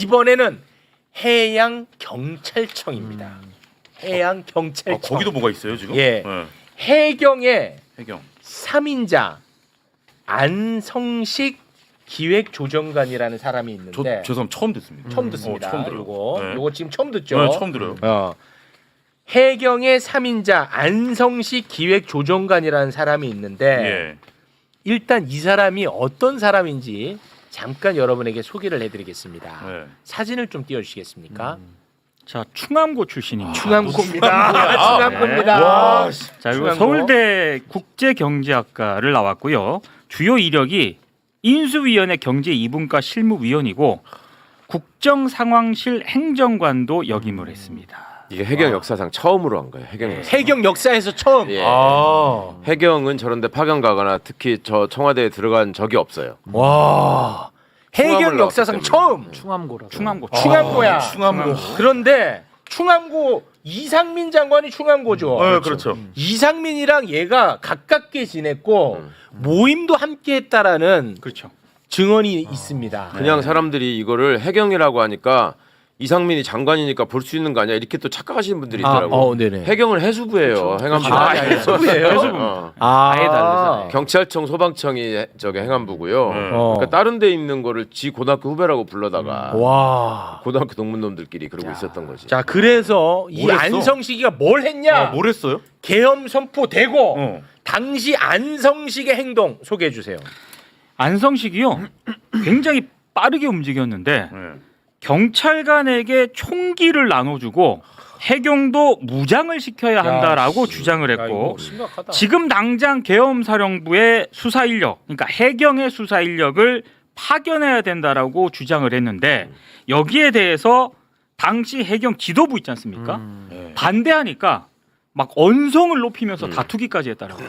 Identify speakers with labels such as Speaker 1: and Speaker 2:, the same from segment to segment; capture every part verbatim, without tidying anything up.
Speaker 1: 이번에는 해양 경찰청입니다.
Speaker 2: 음.
Speaker 1: 해양 경찰청.
Speaker 3: 아, 거기도 뭐가 있어요 지금?
Speaker 1: 예.
Speaker 3: 네.
Speaker 1: 해경의
Speaker 3: 해경.
Speaker 1: 삼 인자 안성식 기획조정관이라는 사람이 있는데
Speaker 3: 저 저 사람 처음 듣습니다.
Speaker 1: 처음 듣습니다.
Speaker 3: 어, 처음 들어요.
Speaker 1: 요거
Speaker 3: 네.
Speaker 1: 요거 지금 처음 듣죠.
Speaker 3: 네, 처음 들어요.
Speaker 1: 어. 해경의 삼 인자 안성식 기획조정관이라는 사람이 있는데
Speaker 3: 예.
Speaker 1: 일단 이 사람이 어떤 사람인지 잠깐 여러분에게 소개를 해드리겠습니다.
Speaker 3: 네.
Speaker 1: 사진을 좀 띄워주시겠습니까?
Speaker 2: 자, 충암고 출신입니다.
Speaker 1: 충암고입니다. 충암고입니다.
Speaker 3: 와,
Speaker 2: 자, 그리고
Speaker 1: 충암고.
Speaker 2: 서울대 국제경제학과를 나왔고요. 주요 이력이 인수위원회 경제 이 분과 실무위원이고 국정상황실 행정관도 역임을 했습니다.
Speaker 4: 이게 해경 역사상 처음으로 한 거예요. 해경 역사.
Speaker 1: 해경 역사에서 처음.
Speaker 4: 예.
Speaker 1: 아.
Speaker 4: 해경은 저런데 파견 가거나 특히 저 청와대에 들어간 적이 없어요.
Speaker 1: 와. 해경
Speaker 4: 충암을
Speaker 1: 역사상
Speaker 4: 나왔기
Speaker 1: 처음.
Speaker 5: 충암고라.
Speaker 2: 충암고.
Speaker 1: 충암고야.
Speaker 3: 충암고.
Speaker 1: 그런데 충암고 이상민 장관이 충암고죠.
Speaker 3: 네, 그렇죠.
Speaker 1: 이상민이랑 얘가 가깝게 지냈고
Speaker 4: 음.
Speaker 1: 모임도 함께 했다라는
Speaker 2: 그렇죠.
Speaker 1: 증언이 있습니다.
Speaker 4: 그냥 사람들이 이거를 해경이라고 하니까 이상민이 장관이니까 볼 수 있는 거 아니야 이렇게 또 착각하시는 분들이
Speaker 1: 아,
Speaker 4: 있더라고.
Speaker 1: 어, 네네.
Speaker 4: 해경은 해수부예요. 행안부.
Speaker 1: 아, 해수부예요?
Speaker 4: 어.
Speaker 1: 아,
Speaker 5: 아예 다르잖아요.
Speaker 4: 경찰청 소방청이 저기 행안부고요.
Speaker 3: 네.
Speaker 1: 어.
Speaker 4: 그러니까 다른 데 있는 거를 지 고등학교 후배라고 불러다가
Speaker 1: 와.
Speaker 4: 고등학교 동문놈들끼리 그러고 있었던 거지.
Speaker 1: 자, 그래서 이
Speaker 3: 뭘 했어?
Speaker 1: 안성식이가 뭘 했냐?
Speaker 3: 아, 뭘 했어요?
Speaker 1: 계엄 선포되고
Speaker 3: 어.
Speaker 1: 당시 안성식의 행동 소개해 주세요.
Speaker 2: 안성식이요. 굉장히 빠르게 움직였는데
Speaker 3: 네.
Speaker 2: 경찰관에게 총기를 나눠주고 해경도 무장을 시켜야 한다라고
Speaker 1: 씨.
Speaker 2: 주장을
Speaker 1: 야,
Speaker 2: 했고
Speaker 1: 이거 심각하다.
Speaker 2: 지금 당장 계엄사령부의 수사 인력, 그러니까 해경의 수사 인력을 파견해야 된다라고 주장을 했는데 여기에 대해서 당시 해경 지도부 있지 않습니까?
Speaker 3: 네.
Speaker 2: 반대하니까 막 언성을 높이면서 다투기까지 했다라고.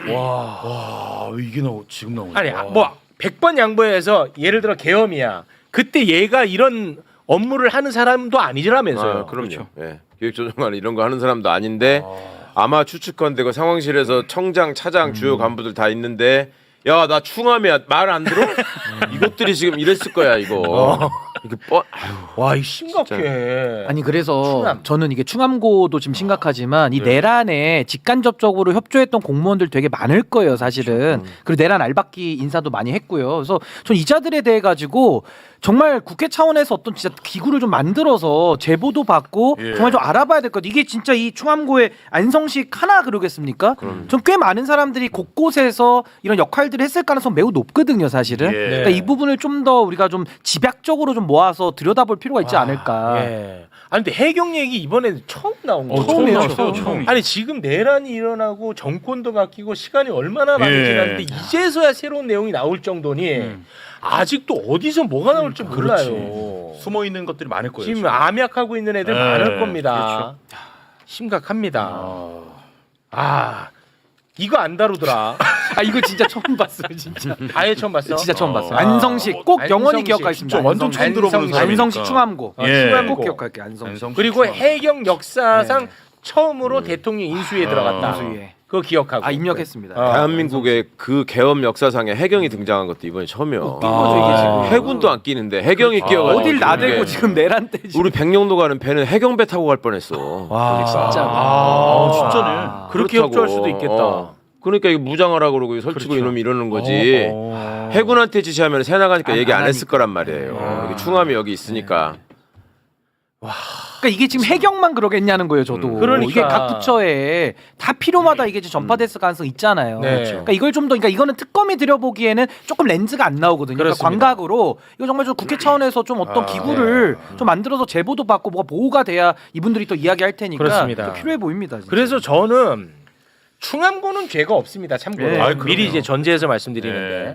Speaker 3: 와, 이게 나 지금 나오네.
Speaker 1: 아니
Speaker 3: 와.
Speaker 1: 뭐 백 번 양보해서 예를 들어 계엄이야. 그때 얘가 이런 업무를 하는 사람도 아니라면서요.
Speaker 4: 아, 그럼요. 예. 기획조정관 이런 거 하는 사람도 아닌데 아마 추측컨대 그 상황실에서 청장, 차장, 주요 간부들 다 있는데 야 나 충암이야 말 안 들어? 이것들이 지금 이랬을 거야 이거. 이게 뻔. 아유.
Speaker 1: 와, 이 심각해.
Speaker 5: 아니 그래서
Speaker 1: 충암.
Speaker 5: 저는 이게 충암고도 지금 심각하지만 이
Speaker 3: 네.
Speaker 5: 내란에 직간접적으로 협조했던 공무원들 되게 많을 거예요 사실은. 그리고 내란 알박기 인사도 많이 했고요. 그래서 전 이자들에 대해 가지고 정말 국회 차원에서 어떤 진짜 기구를 좀 만들어서 제보도 받고
Speaker 3: 예.
Speaker 5: 정말 좀 알아봐야 될 것 같아요. 이게 진짜 이 충암고의 안성식 하나 그러겠습니까? 전 꽤 많은 사람들이 곳곳에서 이런 역할들을 했을 가능성 매우 높거든요 사실은.
Speaker 3: 예.
Speaker 5: 그러니까 이 부분을 좀 더 우리가 좀 집약적으로 좀 모아서 들여다볼 필요가 있지 않을까.
Speaker 1: 예. 아니 근데 해경 얘기 이번에 처음 나온
Speaker 3: 어,
Speaker 1: 거죠.
Speaker 3: 처음
Speaker 5: 처음이에요,
Speaker 3: 나왔어요.
Speaker 5: 처음.
Speaker 3: 처음.
Speaker 1: 아니 지금 내란이 일어나고 정권도 바뀌고 시간이 얼마나 많이
Speaker 3: 예.
Speaker 1: 지났는데 이제서야 새로운 내용이 나올 정도니
Speaker 2: 음.
Speaker 1: 아직도 어디서 뭐가 나올지
Speaker 3: 그렇지.
Speaker 1: 몰라요.
Speaker 3: 숨어 있는 것들이 많을 거예요.
Speaker 1: 지금 암약하고 있는 애들
Speaker 3: 예,
Speaker 1: 많을 겁니다.
Speaker 3: 그렇죠.
Speaker 1: 심각합니다.
Speaker 3: 아.
Speaker 1: 아 이거 안 다루더라.
Speaker 5: 아 이거 진짜 처음 봤어요 진짜.
Speaker 1: 아예 처음 봤어.
Speaker 5: 진짜 처음
Speaker 3: 어.
Speaker 5: 봤어요.
Speaker 1: 아,
Speaker 5: 안성식 꼭 영원히
Speaker 1: 안성식.
Speaker 5: 기억하겠습니다.
Speaker 3: 진짜 완전 처음
Speaker 1: 안성식.
Speaker 3: 들어보는
Speaker 1: 안성식.
Speaker 3: 사람이니까.
Speaker 5: 안성식 충암고.
Speaker 1: 어,
Speaker 3: 예.
Speaker 1: 충암고.
Speaker 5: 꼭 기억할게 안성식.
Speaker 3: 안성식
Speaker 1: 그리고
Speaker 3: 충암고.
Speaker 1: 해경 역사상
Speaker 5: 네.
Speaker 1: 처음으로 대통령 인수위에
Speaker 3: 어.
Speaker 1: 들어갔다.
Speaker 5: 인수위에.
Speaker 1: 그거 기억하고.
Speaker 5: 아 입력했습니다.
Speaker 1: 어.
Speaker 4: 대한민국의 그 계엄 역사상에 해경이 등장한 것도 이번이 처음이에요.
Speaker 5: 웃긴 거죠 이게 지금.
Speaker 4: 해군도 안 끼는데 해경이 끼어가지고
Speaker 5: 어딜 나대고
Speaker 4: 이게
Speaker 5: 지금 내란 때 지금.
Speaker 4: 우리 백령도 가는 배는 해경배 타고 갈 뻔했어.
Speaker 1: 와,
Speaker 5: 진짜.
Speaker 1: 아,
Speaker 3: 아, 진짜네.
Speaker 5: 아.
Speaker 1: 그렇게
Speaker 4: 그렇다고.
Speaker 1: 협조할 수도 있겠다.
Speaker 4: 어. 그러니까 이거 무장하라고 그러고 설치고
Speaker 3: 그렇죠.
Speaker 4: 이놈이 이러는 거지.
Speaker 1: 어.
Speaker 4: 해군한테 지시하면 새 나가니까
Speaker 5: 안-
Speaker 4: 얘기 안
Speaker 5: 안
Speaker 4: 했을
Speaker 5: 하니까.
Speaker 4: 거란 말이에요.
Speaker 1: 아.
Speaker 4: 이게 충암이 여기 있으니까.
Speaker 5: 그러니까 이게 지금 해경만 그러겠냐는 거예요, 저도.
Speaker 4: 음.
Speaker 1: 그러니까.
Speaker 5: 이게 각 부처에 다 필요마다 이게 지금 전파됐을 가능성 있잖아요.
Speaker 1: 네.
Speaker 5: 그러니까 이걸 좀 더, 그러니까 이거는 특검이 들여보기에는 조금 렌즈가 안 나오거든요. 그러니까
Speaker 1: 그렇습니다.
Speaker 5: 광각으로 이거 정말 좀 국회 차원에서 좀 어떤
Speaker 3: 아,
Speaker 5: 기구를 좀 만들어서 제보도 받고 뭐가 보호가 돼야 이분들이 또 이야기할 테니까
Speaker 1: 그렇습니다.
Speaker 5: 또 필요해 보입니다. 진짜.
Speaker 1: 그래서 저는 충암고는 죄가 없습니다. 참고로
Speaker 5: 네.
Speaker 3: 아이, 그럼요.
Speaker 1: 미리 이제 전제해서 말씀드리는데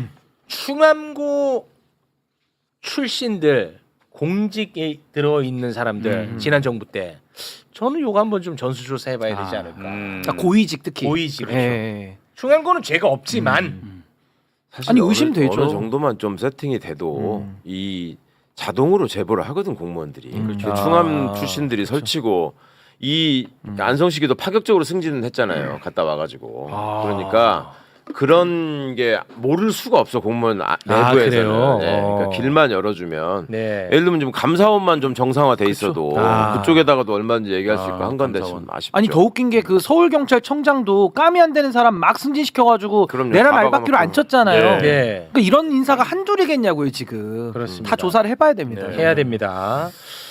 Speaker 1: 충암고 출신들 공직에 들어 있는 사람들
Speaker 5: 음.
Speaker 1: 지난 정부 때 저는 요거 한번 좀 전수조사 해봐야 되지
Speaker 5: 아.
Speaker 1: 않을까.
Speaker 3: 음.
Speaker 5: 그러니까 고위직 특히.
Speaker 1: 고위직, 그렇죠.
Speaker 5: 예.
Speaker 1: 충암고는 죄가 없지만
Speaker 5: 음.
Speaker 4: 사실
Speaker 5: 아니,
Speaker 4: 어느-
Speaker 5: 의심되죠.
Speaker 4: 어느 정도만 좀 세팅이 돼도
Speaker 5: 음.
Speaker 4: 이 자동으로 제보를 하거든 공무원들이.
Speaker 5: 그렇죠.
Speaker 4: 그 충암
Speaker 1: 아,
Speaker 4: 출신들이 설치고 이 안성식이도 파격적으로 승진을 했잖아요. 갔다 와가지고.
Speaker 1: 아.
Speaker 4: 그러니까 그런 게 모를 수가 없어 공무원 아-
Speaker 1: 아,
Speaker 4: 내부에서는.
Speaker 1: 그래요?
Speaker 4: 네, 그러니까
Speaker 1: 어.
Speaker 4: 길만 열어주면.
Speaker 1: 네.
Speaker 4: 예를 들면 좀 감사원만 좀 정상화돼 있어도
Speaker 1: 아.
Speaker 4: 그쪽에다가도 얼마든지 얘기할 수
Speaker 3: 아,
Speaker 4: 있고 한 건데 참
Speaker 3: 감사원.
Speaker 4: 아쉽죠.
Speaker 5: 아니 더 웃긴 게 그 서울 경찰청장도 감이 안 되는 사람 막 승진시켜가지고
Speaker 4: 그럼요.
Speaker 5: 내란
Speaker 4: 다
Speaker 5: 알박기로
Speaker 4: 박아놓고.
Speaker 5: 앉혔잖아요.
Speaker 3: 네.
Speaker 1: 네.
Speaker 5: 그러니까 이런 인사가 한둘이겠냐고요 지금.
Speaker 1: 그렇습니다.
Speaker 5: 다 조사를 해봐야 됩니다.
Speaker 3: 네.
Speaker 1: 해야 됩니다.